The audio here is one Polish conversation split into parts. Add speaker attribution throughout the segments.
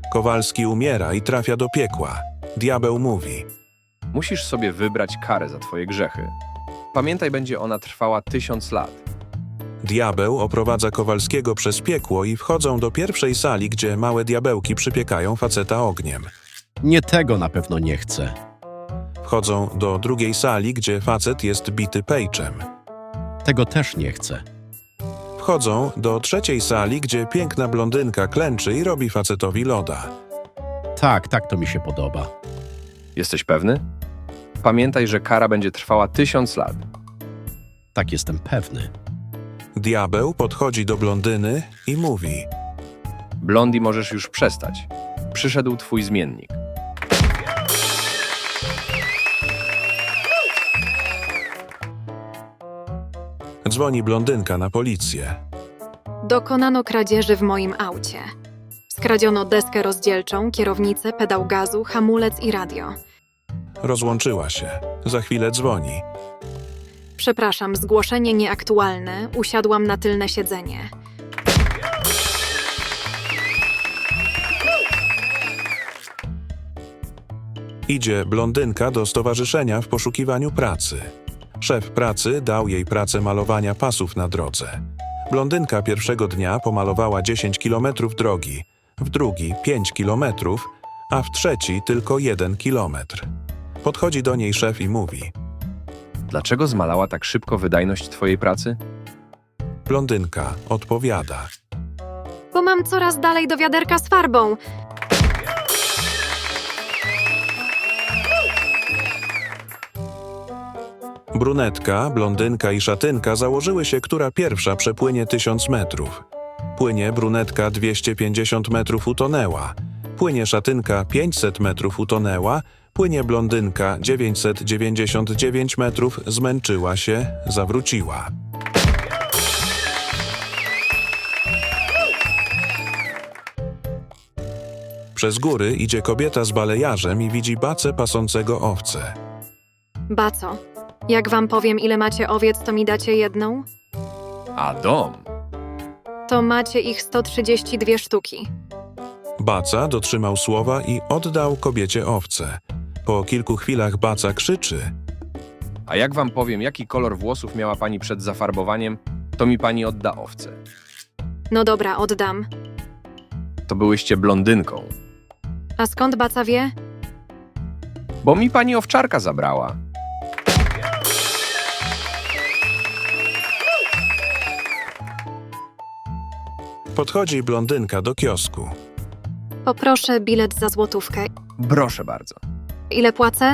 Speaker 1: Kowalski umiera i trafia do piekła. Diabeł mówi:
Speaker 2: Musisz sobie wybrać karę za twoje grzechy. Pamiętaj, będzie ona trwała 1000 lat.
Speaker 1: Diabeł oprowadza Kowalskiego przez piekło i wchodzą do pierwszej sali, gdzie małe diabełki przypiekają faceta ogniem.
Speaker 3: Nie tego na pewno nie chcę.
Speaker 1: Wchodzą do drugiej sali, gdzie facet jest bity pejczem.
Speaker 3: Tego też nie chcę.
Speaker 1: Wchodzą do trzeciej sali, gdzie piękna blondynka klęczy i robi facetowi loda.
Speaker 3: Tak, to mi się podoba.
Speaker 2: Jesteś pewny? Pamiętaj, że kara będzie trwała 1000 lat.
Speaker 3: Tak, jestem pewny.
Speaker 1: Diabeł podchodzi do blondyny i mówi:
Speaker 2: Blondi, możesz już przestać. Przyszedł twój zmiennik.
Speaker 1: Dzwoni blondynka na policję.
Speaker 4: Dokonano kradzieży w moim aucie. Skradziono deskę rozdzielczą, kierownicę, pedał gazu, hamulec i radio.
Speaker 1: Rozłączyła się. Za chwilę dzwoni.
Speaker 4: Przepraszam, zgłoszenie nieaktualne. Usiadłam na tylne siedzenie.
Speaker 1: Idzie blondynka do stowarzyszenia w poszukiwaniu pracy. Szef pracy dał jej pracę malowania pasów na drodze. Blondynka pierwszego dnia pomalowała 10 kilometrów drogi, w drugi 5 kilometrów, a w trzeci tylko 1 kilometr. Podchodzi do niej szef i mówi:
Speaker 2: Dlaczego zmalała tak szybko wydajność twojej pracy?
Speaker 1: Blondynka odpowiada:
Speaker 4: Bo mam coraz dalej do wiaderka z farbą.
Speaker 1: Brunetka, blondynka i szatynka założyły się, która pierwsza przepłynie 1000 metrów. Płynie brunetka 250 metrów, utonęła. Płynie szatynka 500 metrów, utonęła. Płynie blondynka 999 metrów, zmęczyła się, zawróciła. Przez góry idzie kobieta z balejarzem i widzi bacę pasącego owce.
Speaker 4: Baco, jak wam powiem, ile macie owiec, to mi dacie jedną?
Speaker 2: A dom?
Speaker 4: To macie ich 132 sztuki.
Speaker 1: Baca dotrzymał słowa i oddał kobiecie owce. Po kilku chwilach baca krzyczy:
Speaker 2: A jak wam powiem, jaki kolor włosów miała pani przed zafarbowaniem, to mi pani odda owce.
Speaker 4: No dobra, oddam.
Speaker 2: To byłyście blondynką.
Speaker 4: A skąd baca wie?
Speaker 2: Bo mi pani owczarka zabrała.
Speaker 1: Podchodzi blondynka do kiosku.
Speaker 4: Poproszę bilet za złotówkę.
Speaker 2: Proszę bardzo.
Speaker 4: Ile płacę?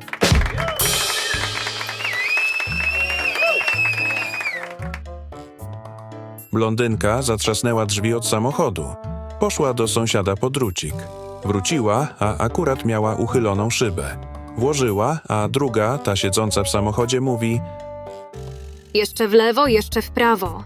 Speaker 1: Blondynka zatrzasnęła drzwi od samochodu. Poszła do sąsiada po drucik. Wróciła, a akurat miała uchyloną szybę. Włożyła, a druga, ta siedząca w samochodzie, mówi:
Speaker 4: Jeszcze w lewo, jeszcze w prawo.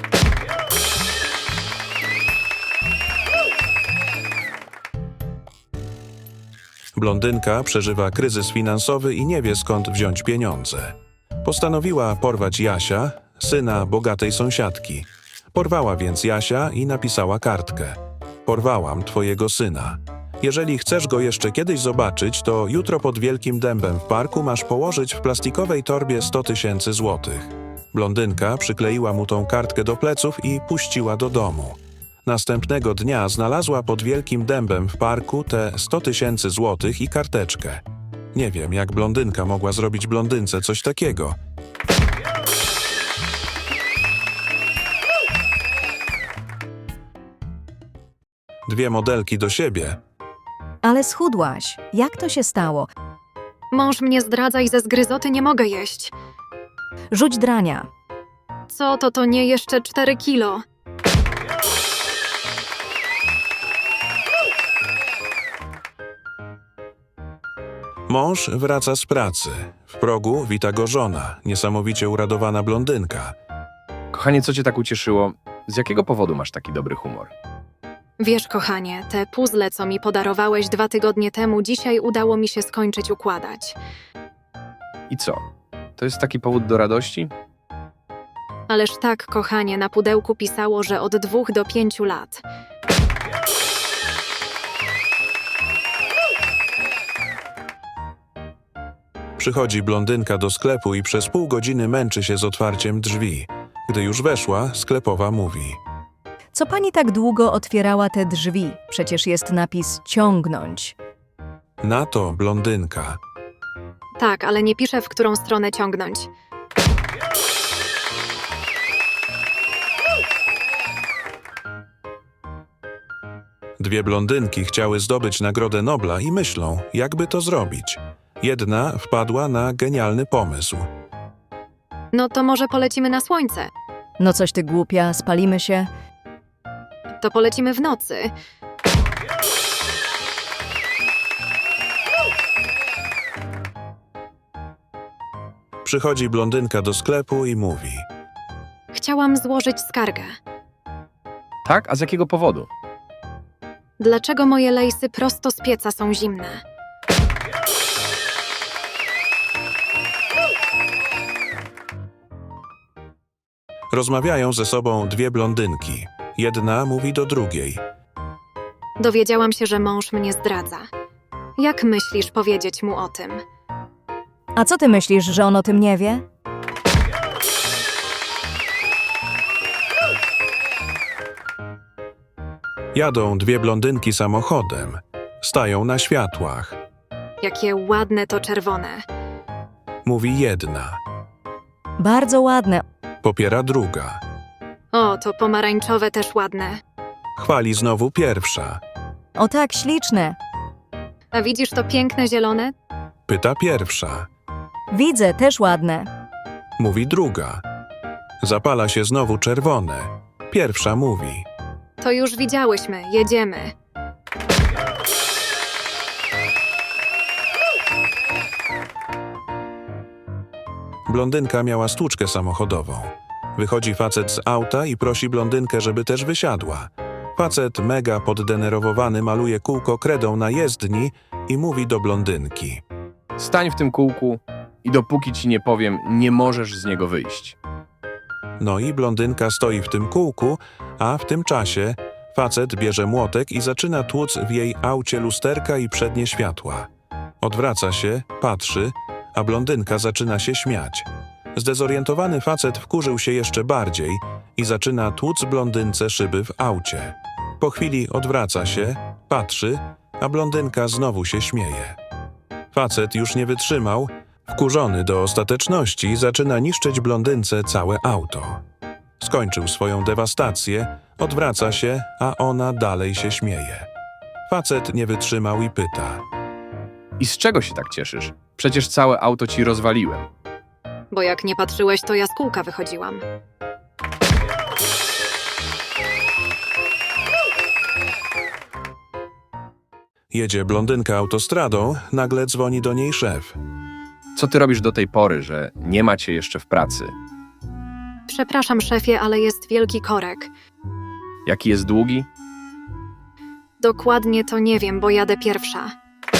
Speaker 1: Blondynka przeżywa kryzys finansowy i nie wie, skąd wziąć pieniądze. Postanowiła porwać Jasia, syna bogatej sąsiadki. Porwała więc Jasia i napisała kartkę: Porwałam twojego syna. Jeżeli chcesz go jeszcze kiedyś zobaczyć, to jutro pod Wielkim Dębem w parku masz położyć w plastikowej torbie 100 000 złotych. Blondynka przykleiła mu tą kartkę do pleców i puściła do domu. Następnego dnia znalazła pod Wielkim Dębem w parku te 100 000 złotych i karteczkę. Nie wiem, jak blondynka mogła zrobić blondynce coś takiego. Dwie modelki do siebie.
Speaker 5: Ale schudłaś. Jak to się stało?
Speaker 4: Mąż mnie zdradza i ze zgryzoty nie mogę jeść.
Speaker 5: Rzuć drania.
Speaker 4: Co to nie jeszcze 4 kilo?
Speaker 1: Mąż wraca z pracy. W progu wita go żona, niesamowicie uradowana blondynka.
Speaker 2: Kochanie, co cię tak ucieszyło? Z jakiego powodu masz taki dobry humor?
Speaker 4: Wiesz, kochanie, te puzzle, co mi podarowałeś 2 tygodnie temu, dzisiaj udało mi się skończyć układać.
Speaker 2: I co? To jest taki powód do radości?
Speaker 4: Ależ tak, kochanie, na pudełku pisało, że od 2 do 5 lat.
Speaker 1: Przychodzi blondynka do sklepu i przez pół godziny męczy się z otwarciem drzwi. Gdy już weszła, sklepowa mówi:
Speaker 5: Co pani tak długo otwierała te drzwi? Przecież jest napis ciągnąć.
Speaker 1: na to blondynka:
Speaker 4: Tak, ale nie piszę, w którą stronę ciągnąć.
Speaker 1: Dwie blondynki chciały zdobyć Nagrodę Nobla i myślą, jakby to zrobić. Jedna wpadła na genialny pomysł.
Speaker 4: No to może polecimy na słońce.
Speaker 5: No coś ty głupia, spalimy się.
Speaker 4: To polecimy w nocy.
Speaker 1: Przychodzi blondynka do sklepu i mówi:
Speaker 4: Chciałam złożyć skargę.
Speaker 2: Tak? A z jakiego powodu?
Speaker 4: Dlaczego moje lejsy prosto z pieca są zimne?
Speaker 1: Rozmawiają ze sobą dwie blondynki. Jedna mówi do drugiej:
Speaker 4: Dowiedziałam się, że mąż mnie zdradza. Jak myślisz powiedzieć mu o tym?
Speaker 5: A co ty myślisz, że on o tym nie wie?
Speaker 1: Jadą dwie blondynki samochodem. Stają na światłach.
Speaker 4: Jakie ładne to czerwone.
Speaker 1: Mówi jedna.
Speaker 5: Bardzo ładne.
Speaker 1: Popiera druga.
Speaker 4: O, to pomarańczowe też ładne.
Speaker 1: Chwali znowu pierwsza.
Speaker 5: O tak, śliczne.
Speaker 4: A widzisz to piękne zielone?
Speaker 1: Pyta pierwsza.
Speaker 5: Widzę, też ładne.
Speaker 1: Mówi druga. Zapala się znowu czerwone. Pierwsza mówi:
Speaker 4: To już widziałyśmy, jedziemy.
Speaker 1: Blondynka miała stłuczkę samochodową. Wychodzi facet z auta i prosi blondynkę, żeby też wysiadła. Facet mega poddenerwowany maluje kółko kredą na jezdni i mówi do blondynki:
Speaker 2: Stań w tym kółku i dopóki ci nie powiem, nie możesz z niego wyjść.
Speaker 1: No i blondynka stoi w tym kółku, a w tym czasie facet bierze młotek i zaczyna tłuc w jej aucie lusterka i przednie światła. Odwraca się, patrzy, a blondynka zaczyna się śmiać. Zdezorientowany facet wkurzył się jeszcze bardziej i zaczyna tłuc blondynce szyby w aucie. Po chwili odwraca się, patrzy, a blondynka znowu się śmieje. Facet już nie wytrzymał, wkurzony do ostateczności, zaczyna niszczyć blondynce całe auto. Skończył swoją dewastację, odwraca się, a ona dalej się śmieje. Facet nie wytrzymał i pyta:
Speaker 2: I z czego się tak cieszysz? Przecież całe auto ci rozwaliłem.
Speaker 4: Bo jak nie patrzyłeś, to ja z kółka wychodziłam.
Speaker 1: Jedzie blondynka autostradą, nagle dzwoni do niej szef.
Speaker 2: Co ty robisz do tej pory, że nie ma cię jeszcze w pracy?
Speaker 4: Przepraszam, szefie, ale jest wielki korek.
Speaker 2: Jaki jest długi?
Speaker 4: Dokładnie to nie wiem, bo jadę pierwsza.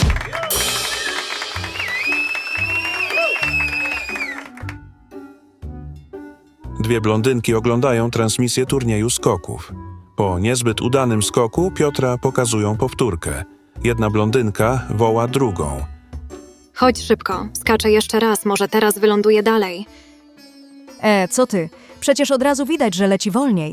Speaker 1: Dwie blondynki oglądają transmisję turnieju skoków. Po niezbyt udanym skoku Piotra pokazują powtórkę. Jedna blondynka woła drugą.
Speaker 4: Chodź szybko, skaczę jeszcze raz, może teraz wyląduję dalej.
Speaker 5: Co ty? Przecież od razu widać, że leci wolniej.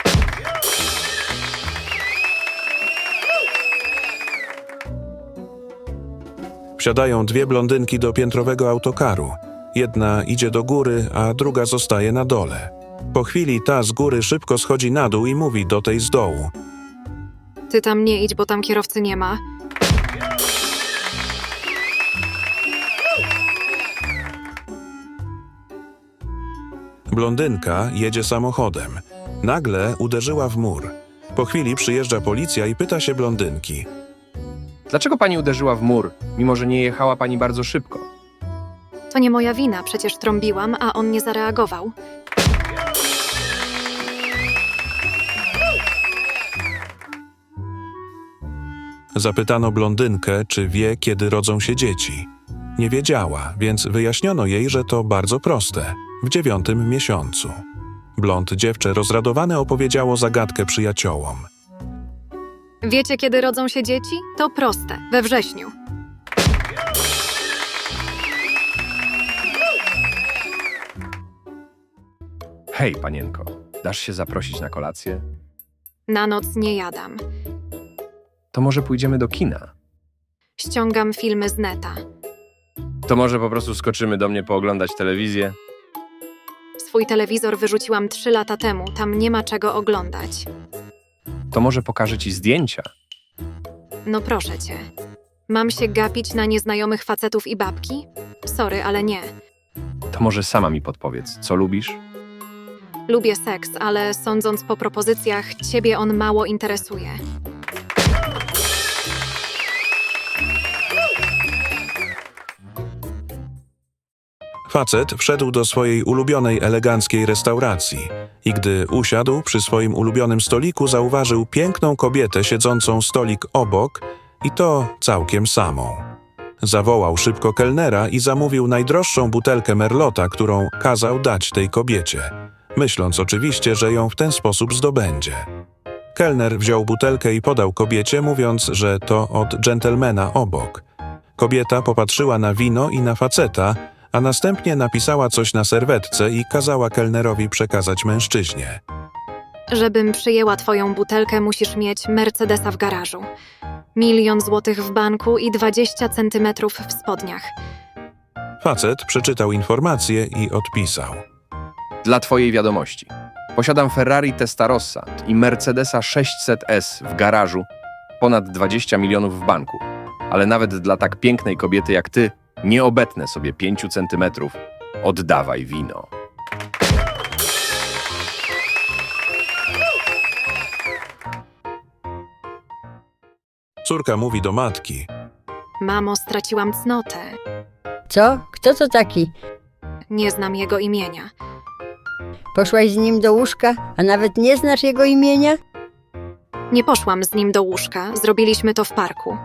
Speaker 1: Wsiadają dwie blondynki do piętrowego autokaru. Jedna idzie do góry, a druga zostaje na dole. Po chwili ta z góry szybko schodzi na dół i mówi do tej z dołu:
Speaker 4: Ty tam nie idź, bo tam kierowcy nie ma.
Speaker 1: Blondynka jedzie samochodem. Nagle uderzyła w mur. Po chwili przyjeżdża policja i pyta się blondynki:
Speaker 2: Dlaczego pani uderzyła w mur, mimo że nie jechała pani bardzo szybko?
Speaker 4: To nie moja wina, przecież trąbiłam, a on nie zareagował.
Speaker 1: Zapytano blondynkę, czy wie, kiedy rodzą się dzieci. Nie wiedziała, więc wyjaśniono jej, że to bardzo proste. W 9. miesiącu. Blond dziewczę rozradowane opowiedziało zagadkę przyjaciołom.
Speaker 4: Wiecie, kiedy rodzą się dzieci? To proste, we wrześniu.
Speaker 2: Hej, panienko, dasz się zaprosić na kolację?
Speaker 4: Na noc nie jadam.
Speaker 2: To może pójdziemy do kina?
Speaker 4: Ściągam filmy z neta.
Speaker 2: To może po prostu skoczymy do mnie pooglądać telewizję?
Speaker 4: Swój telewizor wyrzuciłam 3 lata temu, tam nie ma czego oglądać.
Speaker 2: To może pokażę ci zdjęcia?
Speaker 4: No proszę cię. Mam się gapić na nieznajomych facetów i babki? Sorry, ale nie.
Speaker 2: To może sama mi podpowiedz, co lubisz?
Speaker 4: Lubię seks, ale sądząc po propozycjach, ciebie on mało interesuje.
Speaker 1: Facet wszedł do swojej ulubionej eleganckiej restauracji i gdy usiadł przy swoim ulubionym stoliku, zauważył piękną kobietę siedzącą stolik obok i to całkiem samą. Zawołał szybko kelnera i zamówił najdroższą butelkę merlota, którą kazał dać tej kobiecie, myśląc oczywiście, że ją w ten sposób zdobędzie. Kelner wziął butelkę i podał kobiecie, mówiąc, że to od dżentelmena obok. Kobieta popatrzyła na wino i na faceta, a następnie napisała coś na serwetce i kazała kelnerowi przekazać mężczyźnie.
Speaker 4: Żebym przyjęła twoją butelkę, musisz mieć Mercedesa w garażu. 1 000 000 złotych w banku i 20 centymetrów w spodniach.
Speaker 1: Facet przeczytał informację i odpisał.
Speaker 2: Dla twojej wiadomości. Posiadam Ferrari Testarossa i Mercedesa 600S w garażu, ponad 20 milionów w banku. Ale nawet dla tak pięknej kobiety jak ty, nie obetnę sobie 5 centymetrów. Oddawaj wino.
Speaker 1: Córka mówi do matki.
Speaker 4: Mamo, straciłam cnotę.
Speaker 6: Co? Kto to taki?
Speaker 4: Nie znam jego imienia.
Speaker 6: Poszłaś z nim do łóżka, a nawet nie znasz jego imienia?
Speaker 4: Nie poszłam z nim do łóżka, zrobiliśmy to w parku.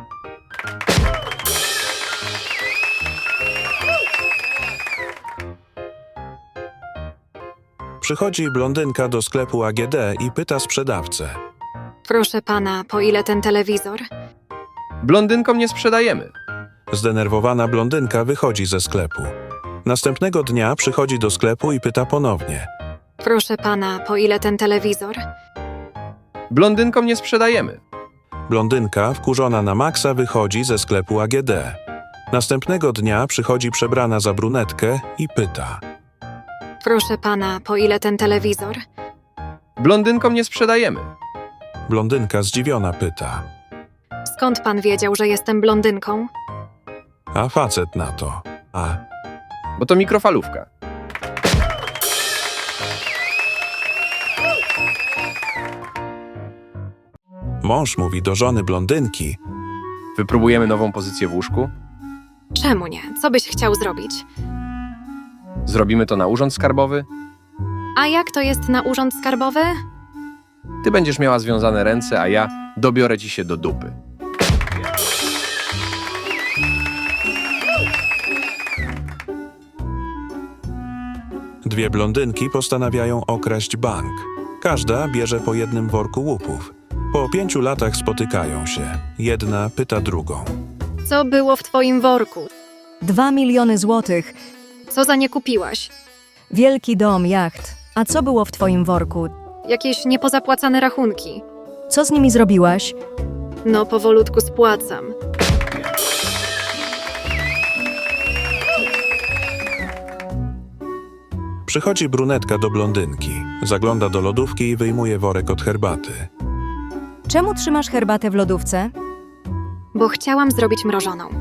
Speaker 1: Przychodzi blondynka do sklepu AGD i pyta sprzedawcę.
Speaker 4: Proszę pana, po ile ten telewizor?
Speaker 2: Blondynkom nie sprzedajemy.
Speaker 1: Zdenerwowana blondynka wychodzi ze sklepu. Następnego dnia przychodzi do sklepu i pyta ponownie.
Speaker 4: Proszę pana, po ile ten telewizor?
Speaker 2: Blondynkom nie sprzedajemy.
Speaker 1: Blondynka, wkurzona na maksa, wychodzi ze sklepu AGD. Następnego dnia przychodzi przebrana za brunetkę i pyta.
Speaker 4: Proszę pana, po ile ten telewizor?
Speaker 2: Blondynkom nie sprzedajemy.
Speaker 1: Blondynka zdziwiona pyta.
Speaker 4: Skąd pan wiedział, że jestem blondynką?
Speaker 1: A facet na to.
Speaker 2: Bo to mikrofalówka.
Speaker 1: Mąż mówi do żony blondynki.
Speaker 2: Wypróbujemy nową pozycję w łóżku?
Speaker 4: Czemu nie? Co byś chciał zrobić?
Speaker 2: Zrobimy to na urząd skarbowy?
Speaker 4: A jak to jest na urząd skarbowy?
Speaker 2: Ty będziesz miała związane ręce, a ja dobiorę ci się do dupy.
Speaker 1: Dwie blondynki postanawiają okraść bank. Każda bierze po jednym worku łupów. Po 5 latach spotykają się. Jedna pyta drugą.
Speaker 4: Co było w twoim worku?
Speaker 5: 2 miliony złotych,
Speaker 4: Co za nie kupiłaś?
Speaker 5: wielki dom, jacht. A co było w twoim worku?
Speaker 4: Jakieś niepozapłacane rachunki.
Speaker 5: Co z nimi zrobiłaś?
Speaker 4: No, powolutku spłacam.
Speaker 1: Przychodzi brunetka do blondynki. Zagląda do lodówki i wyjmuje worek od herbaty.
Speaker 5: Czemu trzymasz herbatę w lodówce?
Speaker 4: Bo chciałam zrobić mrożoną.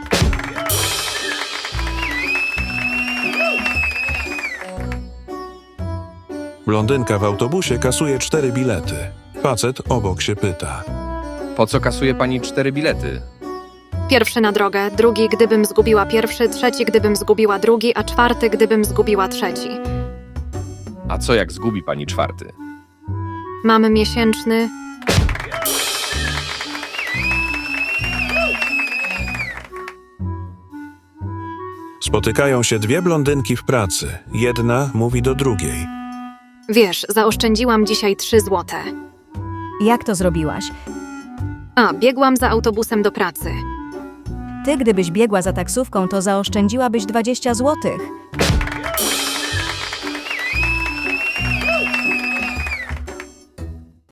Speaker 1: Blondynka w autobusie kasuje 4 bilety. Facet obok się pyta.
Speaker 2: Po co kasuje pani 4 bilety?
Speaker 4: Pierwszy na drogę, drugi gdybym zgubiła pierwszy, trzeci gdybym zgubiła drugi, a czwarty gdybym zgubiła trzeci.
Speaker 2: A co jak zgubi pani 4?
Speaker 4: Mamy miesięczny.
Speaker 1: Spotykają się dwie blondynki w pracy. Jedna mówi do drugiej.
Speaker 4: Wiesz, zaoszczędziłam dzisiaj 3 złote.
Speaker 5: Jak to zrobiłaś?
Speaker 4: A, biegłam za autobusem do pracy.
Speaker 5: Ty, gdybyś biegła za taksówką, to zaoszczędziłabyś 20 złotych.